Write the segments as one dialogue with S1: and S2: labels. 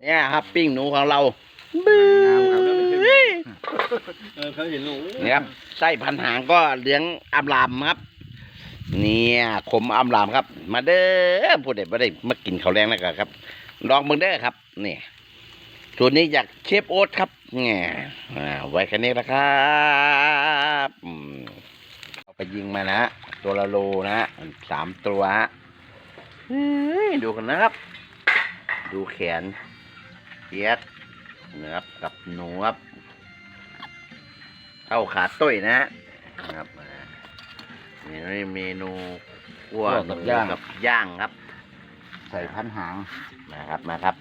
S1: เนี่ยครับปิ้งหนูของเรา
S2: เขาเห็นหนู
S1: เนี่ยครับไส้พันหางก็เหลืองอำลามครับเนี่ยขมอำลามครับ มาเด้อผู้ใดบ่ได้มากินข้าวแรงแล้วกันครับลองมึงเด้อครับนี่ส่วนนี้จากเชฟโอ๊ตครับเนี่ยไว้แค่นี้ละครับเอาไปยิงมานะตัวละโลนะ3 ตัวดูกันนะครับ ดูแขนเทียดนะครับกับหนูครับเข้าขาตุ้ยนะครับนี่เมนูคั่วกับย่างครับ
S3: ใส่พันหาง
S1: มาครับ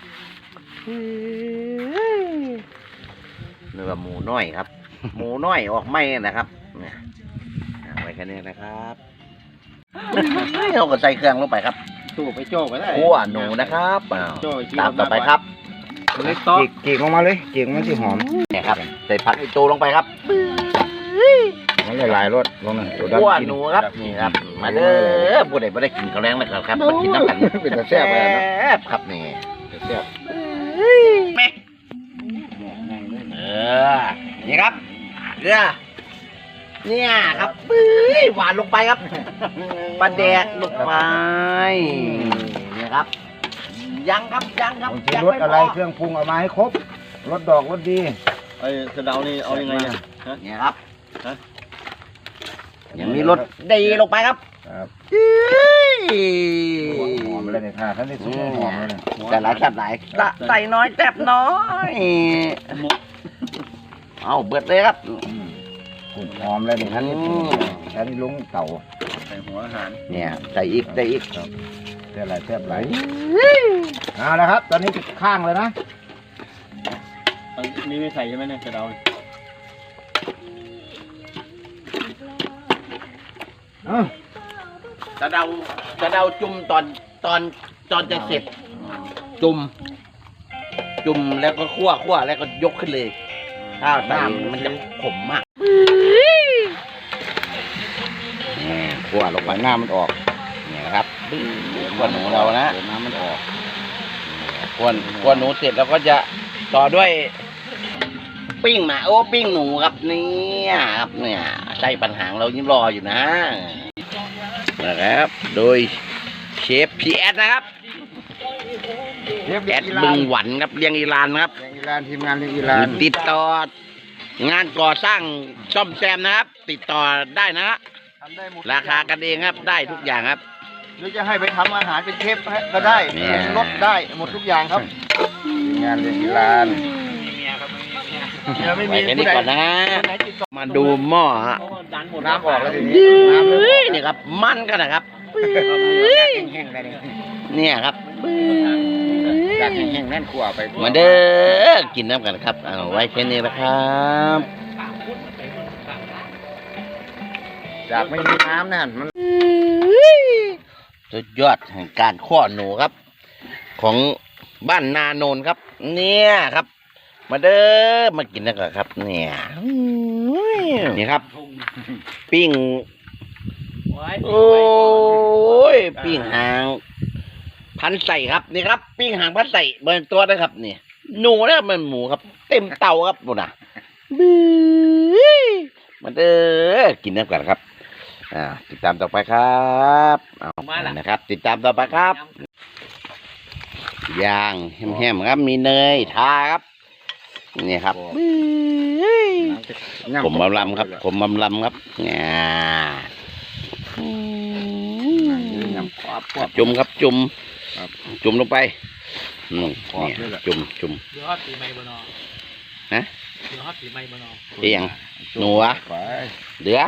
S1: เนื้อหมูน้อยครับ หมูน้อยออกไม่นะครับเนี่ยไว้แค่นี้นะครับเราก็ใส่เครื่องลงไปครับ
S2: ตู้ไปโจ้ไปได้
S1: คั่วหนูนะครับตามต่อไปครับ
S3: จีกออกมาเลยจีกมันสิหอม
S1: เนี่ยครับใส่ผักไอโจลงไปครับ
S3: มันหลายรสลงนึง
S1: คั่วหนูครับนี่ครับมาเด้อผู้ใดไม่ได้กินข้าวแรงนะครับมากินน้ำกัน
S3: เป็นแต่แซ่บเลยนะ
S1: ครับนี่
S3: แซ่บ
S1: แม่นี่ครับเกลือเนี่ยครับหวานลงไปครับปลาแดกลงไปนี่ครับยังครับ
S3: บางทีรสอะไรเครื่องปรุงเอามาให้ครบรสดอกรสดี
S2: ไอ้สะเดานี่เอายังไงเนี่ย
S1: เนี่ยครับยังมีรสดีลงไปครับ
S3: ครับหอมเลยเนี่ยค่ะท่านนี่สุกหอมเลยเนี่ย
S1: แต่หลายแซ่บหลายใส่น้อยแซ่บน้อยเอาเบิดเลยครับ
S3: หอมเลยเนี่ยท่านนี่ลุงเต่า
S2: ใส่หัวอาหาร
S1: เนี่ยใส่อีก
S3: แซ่บหลายแซ่บหลายเอาละครับ ตอนนี้ข้างเลยนะ
S2: นี่ไม่ใส่ใช่ไหมเนี่ยสะเดา
S1: จะเดาจุ่มตอนจะเสร็จ จุ่มแล้วก็คั่วแล้วก็ยกขึ้นเลยถ้าน้ำมันจะขมมากคั่วลงไป
S3: หน้ามันออก
S1: เนี่ยนะครับคั่วหนูเรานะ
S3: น้ำมันออก
S1: คั่วหนูเสร็จแล้วก็จะต่อด้วย ปิ้งหมาปิ้งหนูครับเนี่ยครับเนี่ยไส้ปัญหางเรายิ้มรออยู่นะครับโดยเชฟพีแอดนะครับแอดบึงหวันครับเลี้ยงอีรานครับ
S3: อีรานทีมงานเลี้ยงอีราน
S1: ติดต่องานก่อสร้างซ่อมแซมนะครับ ติดต่อได้นะฮะราคากันเองครับได้ทุกอย่างครับ
S2: หรือจะให้ไปทำอาหารเป็นเชฟก็ได้รสได้หมดทุกอย่างครับ
S3: ทีมงานเลี้ยงอีราน
S1: ไว้แค่นี้ก่อนนะฮะมาดูหม้อฮะ
S3: น้ำออกแล้วทีนี้น้ำเริ่มออก
S1: นี่ครับมันกันนะครับ
S3: แห้งๆได้เลย
S1: เนี่ยครับ
S3: จากแห้งๆนั่นขั่วไป
S1: มาเด้อกินน้ำกันครับเอาไว้แค่นี้นะครับ
S3: จากไม่มีน้ำนั่นมัน
S1: สุดยอดแห่งการข้อหนูครับ ของบ้านนาโนนครับ เนี่ยครับ มาเด้อมากินกันครับ เนี่ยนี่ครับ ปิ้งโอ้ยปิ้งหางพันใส่ครับนี่ครับ ปิ้งหางพันใส่เบนตัวนะครับนี่หนูนะมันหมูครับ เต็มเตาครับบุญนะมาเด้อกินน้ำกันครับติดตามต่อไปครับเอานะครับ ติดตามต่อไปครับย่างแห้มๆครับมีเนยทาครับนี่ครับผมบำลำครับผมบำลำครับเนี่ยจุ่มครับจุ่มลงไปเนี่ยจุ่ม
S2: เดี๋ยวฮอตปีใหม่บนอ
S1: ฮะ
S2: เดี๋ยวฮอตปีใหม่บนอ
S1: เอียงหนูอะเดือ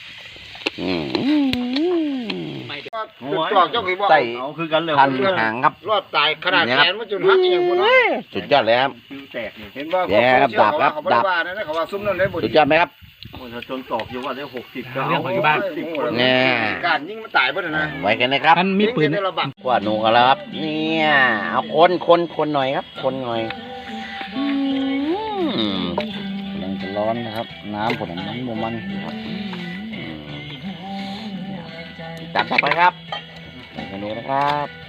S3: จอกเจ้ากี่บ่
S1: ใส่
S2: เอาคือกันเลย
S1: พันหางครับ
S3: รอดตายขนาดแขนมันจนหักอย่างพวกนั้น
S1: สุดยอดเลยครับ
S2: แตกนี่
S3: เห็นว่า
S1: แย่ครับดาบครับดาบ
S3: เขาว่าซุ้มนั่นได้บุญ
S1: สุดยอดไหมครับ
S2: ถ้าจนตอกอยู่ว่าได้60ก็เอาที่บ้าน
S1: เนี่ย
S3: การยิงมันตายบ่ได้นะ
S1: ไว้กันนะครับ
S2: มันมีปืน
S1: กว่าหนูกันแล้วครับเนี่ยเอาคนหน่อยครับคนหน่อย
S3: มันจะร้อนนะครับ น้ำผมมันครับ
S1: จัดต่อไปครับเมนูนะครับ